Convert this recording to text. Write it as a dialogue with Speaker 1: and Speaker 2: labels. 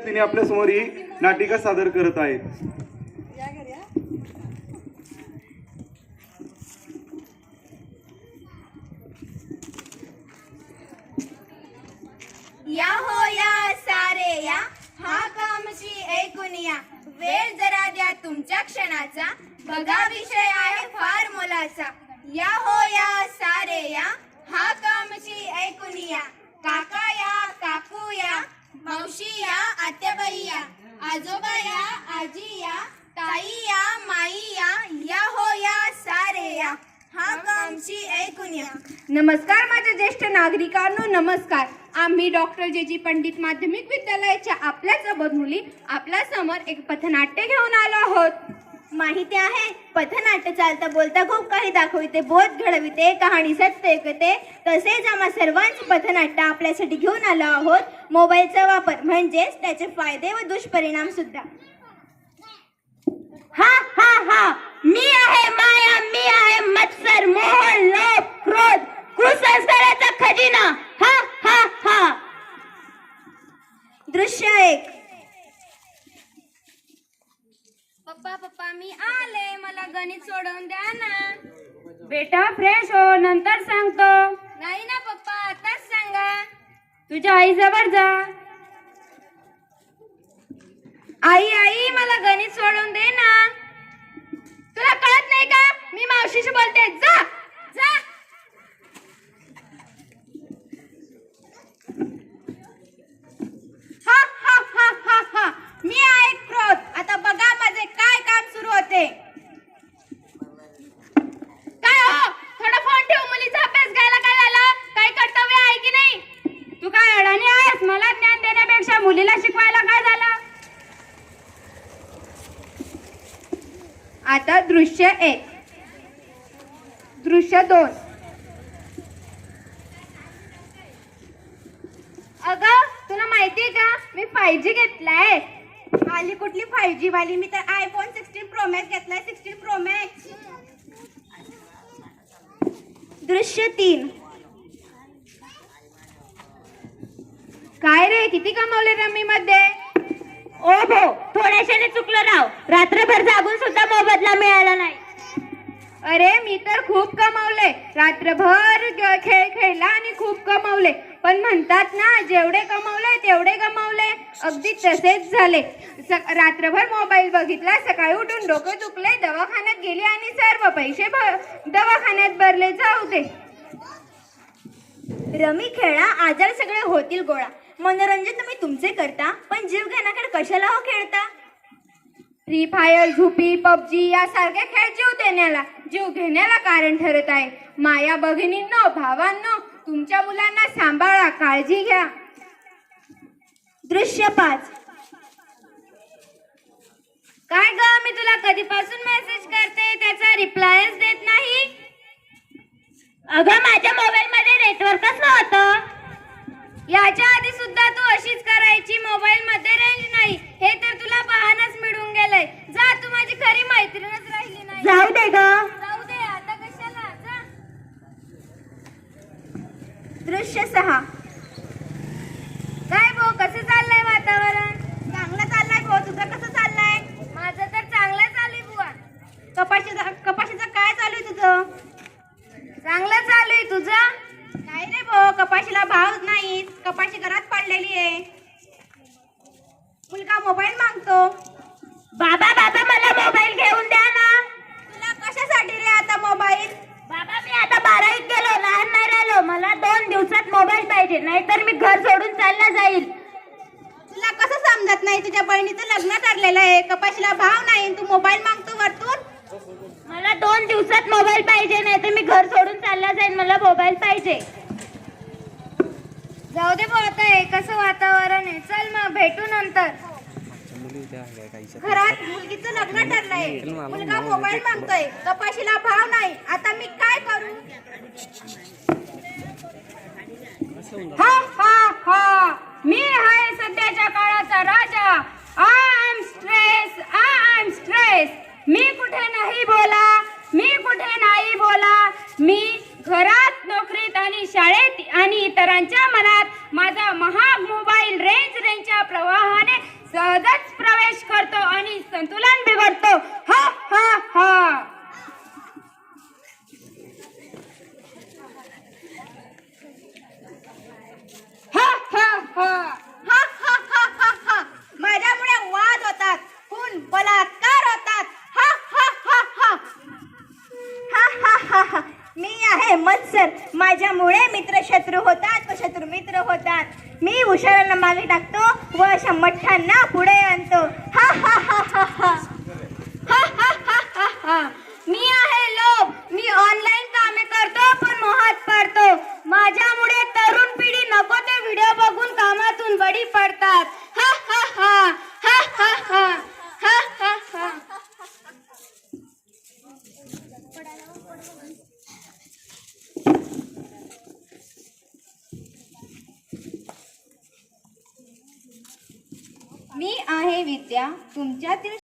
Speaker 1: पद्धतीने आपल्या समोर ही नाटिका सादर करत आहेत.
Speaker 2: या हो या सारे या, हा कामची ऐकून या. वेळ जरा द्या तुमच्या क्षणाचा, बघा विषय आहे फार मोलाचा. या हो या सारे या, हा कामची ऐकून या. काका या, काकू या, मावशी या, आत्याबाई या, आजोबा या, आजी या, ताई या, माई या. या हो या सारे या, हा कामची ऐकून या.
Speaker 3: नमस्कार माझ्या ज्येष्ठ नागरिकांनो, नमस्कार. आम्ही डॉक्टर जे पंडित माध्यमिक विद्यालयाच्या आपल्याच अबोध मुली आपल्या समोर एक पथनाट्य घेऊन आलो आहोत.
Speaker 2: माहिती आहे, पथनाट्य चालता बोलता खूप काही दाखविते, बोध घडविते, कहाणी सत्य ऐकते. तसेच आम्हा सर्वांचे पथनाट्य आपल्यासाठी घेऊन आलो आहोत. मोबाईलचा वापर म्हणजेच त्याचे फायदे व दुष्परिणाम सुद्धा.
Speaker 3: हा हा हा, मी आहे माया, मी आहे मत्सर, मोह, लोभ, क्रोध, कुसंस्काराचा खजिना. हा हा हा.
Speaker 2: दृश्य 1.
Speaker 3: पप्पा पप्पा मी आले, मला गणित सोडवून द्या ना. बेटा फ्रेश हो, नंतर सांगतो. नाही ना पप्पा, आताच सांगा. तुझ्या आई जवळ जा. आई आई मला गणित सोडवून दे ना. तुला कळत नाही का, मी मावशीशी बोलते. जा जा. हा हा हा हा हा, मी आहे क्रोध. आता बघा माझे काय काम सुरू होते. काय हो, थोडा फोन ठेव. मुलीचा अभ्यास घ्यायला काय झालं? काही कर्तव्य आहे की नाही? तू काय अडाणी आहेस? मला ज्ञान देण्यापेक्षा मुलीला शिकवायला काय झालं? आता दृश्य 1. दृश्य 2. अगं तुला माहितीये का, मी 5G घेतलाय.
Speaker 2: आली कुठली 5G वाली? मी तर iPhone 16 Pro Max घेतलाय. 16 Pro Max. दृश्य 3.
Speaker 3: काय रे, किती कमावले रम्मी मध्ये? ओ भो, थोड्याशाने चुकलं राव. रात्रभर जागून सुद्धा मोबदला मिळाला नाही. अरे मी तर खूप कमावले. रात्रभर खेळ खेळला आणि खूप कमावले. पण म्हणतात ना, जेवढे कमावले तेवढे गमावले. अगदी तसेच झाले. रात्रभर मोबाईल बघितला, सकाळी उठून डोकं दुखले, दवाखान्यात गेली आणि सर्व पैसे दवाखान्यात भरले. जाऊ दे.
Speaker 2: रमी खेळा, आजार सगळे होतील गोळा. मनोरंजन तुम्ही तुमचे करता, पण जीव घेण्याकडे कशाला हो खेळता?
Speaker 3: फ्री फायर, झुपी, पबजी यासारखे खेळ जीव घेण्याला कारण ठरत आहे. माया भगिनींनो, भावांनो, तुमच्या मुलांना सांभाळा, काळजी घ्या.
Speaker 2: दृश्य 5.
Speaker 3: काय ग, मी तुला कधीपासून मेसेज करते, त्याचा रिप्लायच देत नाही. अगं माझ्या मोबाईल मध्ये नेटवर्कच नव्हतं. याच्या आधी सुद्धा तू अशीच करायची. मोबाईल मध्ये रेंज नाही हे तर तुला बहानाच मिळून गेलंय. जा, तू माझी खरी मैत्रीणच राहिली नाही.
Speaker 2: जाऊ दे ग.
Speaker 3: जाऊ दे, आता कशाला. जा.
Speaker 2: दृश्य 6.
Speaker 3: काय भाऊ, कसं चाललंय वातावरण?
Speaker 2: चांगलं चाललंय भाऊ. तुझं कसं चाललंय?
Speaker 3: माझं तर चांगलं चालू बुवा.
Speaker 2: कपाशीचं काय चालू आहे तुझं?
Speaker 3: चांगलं चालू आहे. तुझं?
Speaker 2: नाही रे भाऊ, कपाशीला भाव नाही. कपाशी घरात पडलेली आहे. मुलगा मोबाईल मागतो.
Speaker 3: बाबा बाबा मला मोबाईल घेऊन द्या ना.
Speaker 2: तुला कशासाठी रे आता मोबाईल?
Speaker 3: बाबा मी आता 12वीत गेलो, लहान नाही राहिलो. मला 2 दिवसात मोबाईल पाहिजे, नाहीतर मी घर सोडून चालला जाईल.
Speaker 2: तुला कसं समजत नाही? तुझ्या बहिणीचं लग्न ठरलेलं आहे, कपाशीला भाव नाही, तू मोबाईल मागतो वरतून.
Speaker 3: मला 2 दिवसात मोबाईल पाहिजे, नाहीतर मी घर सोडून चालला जाईल. मला मोबाईल पाहिजे. जाऊ दे भाऊ, आता हे कसं वातावरण आहे. चल मग भेटू नंतर.
Speaker 2: घरात मुलगीचं लग्न ठरलंय, मुलगा मोबाईल मागतोय, कपाशीला भाव नाही. आता मी काय करू?
Speaker 3: हा हा हा, मी आहे सध्याच्या काळाचा राजा. I am stress. मी कुठे नाही बोला, मी कुठे नाही बोला. मी घरात, नोकरीत आणि शाळेत आणि इतरांच्या मनात माझा महाग मोबाईल रेंजच्या प्रवाहाने
Speaker 2: मित्र शत्रू होतात व शत्रू मित्र होतात. मी उशाळ्यांना मागे टाकतो व अशा मठ्ठांना पुढे आणतो. हा हा हा हा हा
Speaker 3: हा हा हा हा हा. मी आहे लोभ. मी ऑनलाईन कामे करतो पण मोहात पडतो. माझ्यामुळे तरुण पिढी नको ते व्हिडिओ बघून कामातून बडी पडतात. हा हा हा हा हा हा हा हा हा.
Speaker 2: मी आहे विद्या तुमच्यातील